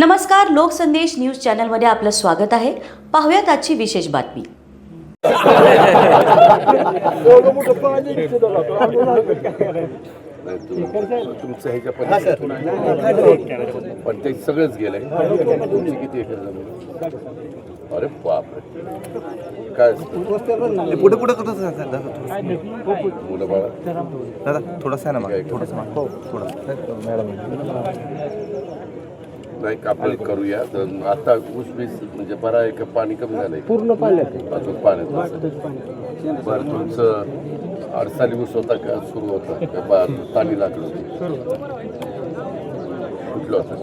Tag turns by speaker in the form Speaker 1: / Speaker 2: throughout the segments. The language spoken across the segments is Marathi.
Speaker 1: नमस्कार, लोकसंदेश न्यूज चॅनलमध्ये आपलं स्वागत आहे. पाहूयात आजची विशेष बातमी.
Speaker 2: तुमचं ह्याच्या पण ते सगळंच गेलंय. तुमची किती एकर जमीन? अरे बापरे, काय
Speaker 3: पुढे पुढे कसं
Speaker 2: मुलं बाळा
Speaker 3: दादा थोडासा आहे ना थोडंसं
Speaker 2: नाही आपण करूया. आता ऊसबीस म्हणजे बरा आहे का? पाणी कमी झालंय?
Speaker 4: पूर्ण पाण्यात
Speaker 2: अजून पाण्यात. बरं, तुमचं अडसाली ऊस होता का? सुरू होता का? पाणी लागलं होतं? कुठलं होतं?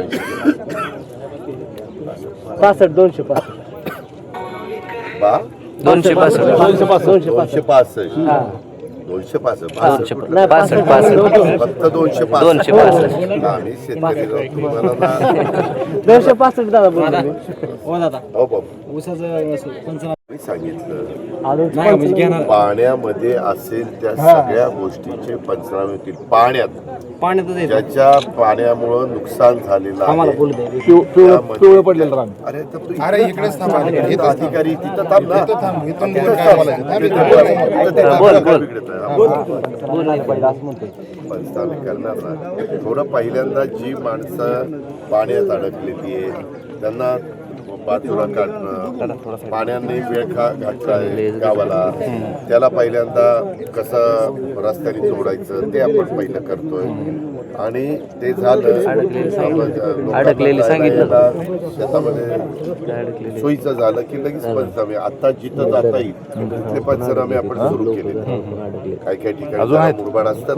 Speaker 4: 65 265
Speaker 2: बा
Speaker 4: 265
Speaker 2: फक्त 265. आम्ही शेतकरी
Speaker 4: दादा बोलतो हो दादा.
Speaker 2: हो बाबा, मी सांगितलं पाण्यामध्ये असेल त्या सगळ्या गोष्टीचे पंचनामे होतील. पाण्यात ज्याच्या पाण्यामुळं नुकसान झालेलं आहे, अरे इकडेच अधिकारी तिथं थांब ना. पंचनामे करणार ना. थोडं पहिल्यांदा जी माणसं पाण्यात अडकलेली आहे त्यांना बाजूला काढणं, पाण्याने वेळ घातलाय गावाला, त्याला पहिल्यांदा कसं रस्त्याने जोडायचं ते आपण पहिलं करतोय. आणि ते झालं शेतामध्ये सोयीचं झालं की लगेच पंचनामे. आता जिथं जाता येईल तिथले पंचनामे आपण सुरू केले. काही काही ठिकाणी मुरबाड असतं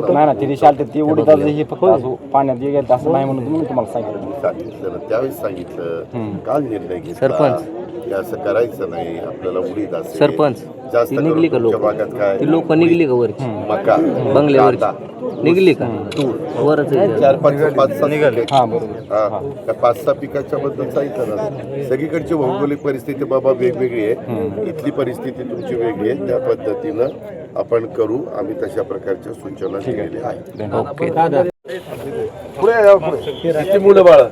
Speaker 2: सांगितलं ना, त्यावेळेस सांगितलं. काल निर्णय घेतला की असं करायचं नाही, आपल्याला उडीद असेल
Speaker 5: सरपंच
Speaker 2: जास्त
Speaker 5: निघली का लोक?
Speaker 2: भागात काय
Speaker 5: लोक निघली का वरची
Speaker 2: मका
Speaker 5: बंगल्यावर निघली का? वरच
Speaker 2: 4-5 निघाले. हा, 5-6 पिकाच्या बद्दल सांगितलं ना. सगळीकडची भौगोलिक परिस्थिती बाबा वेगवेगळी आहे. इथली परिस्थिती तुमची वेगळी आहे. त्या पद्धतीनं आपण करू. आम्ही तशा प्रकारच्या सूचना दिलेल्या आहेत.
Speaker 5: ओके.
Speaker 2: किती मुलं बाळा?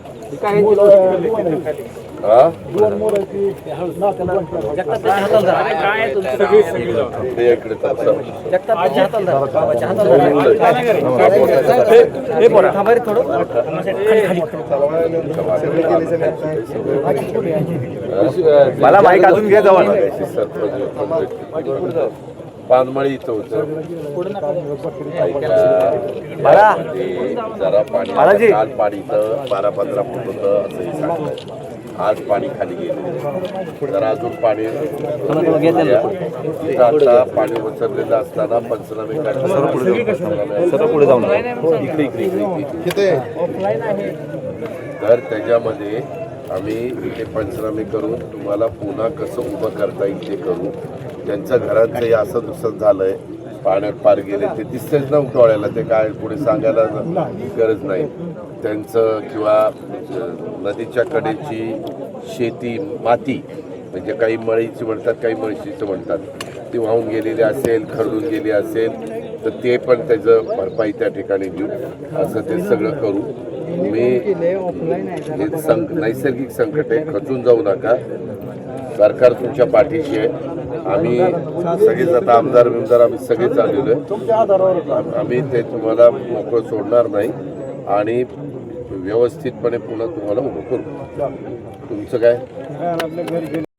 Speaker 3: मला माईक अजून घ्या जवळ.
Speaker 2: पानमळी इथं होतं. जरा पाणी काल पाणी इथं 12-15 फूट होतं असंही सांगलं. आज पाणी खाली गेलं. जरा अजून पाणी आता पाणी उचललेलं असताना पंचनामे
Speaker 3: पुढे जाऊन
Speaker 2: इकडे तर त्याच्यामध्ये आम्ही ते पंचनामे करून तुम्हाला पुन्हा कसं उभं करता येईल ते करू. ज्यांच्या घरांचं हे असं दुसरं झालंय, पाण्यात पार गेले, ते दिसतेच ना डोळ्याला. ते काय पुढे सांगायला गरज नाही त्यांचं. किंवा नदीच्या कडेची शेती माती म्हणजे काही मळीची म्हणतात, काही मळशीचं म्हणतात, ती वाहून गेलेली असेल, खरडून गेली असेल तर ते पण त्याचं भरपाई त्या ठिकाणी देऊ. असं ते सगळं करू. मी हे नैसर्गिक संकट आहे, खचून जाऊ नका. सरकार तुमच्या पाठीशी आहे. आम्ही सगळेच आता आमदार आम्ही सगळेच आलेलो आहे. आम्ही ते तुम्हाला मोकळं सोडणार नाही आणि व्यवस्थितपणे पुन्हा तुम्हाला उभं करू. तुमचं काय?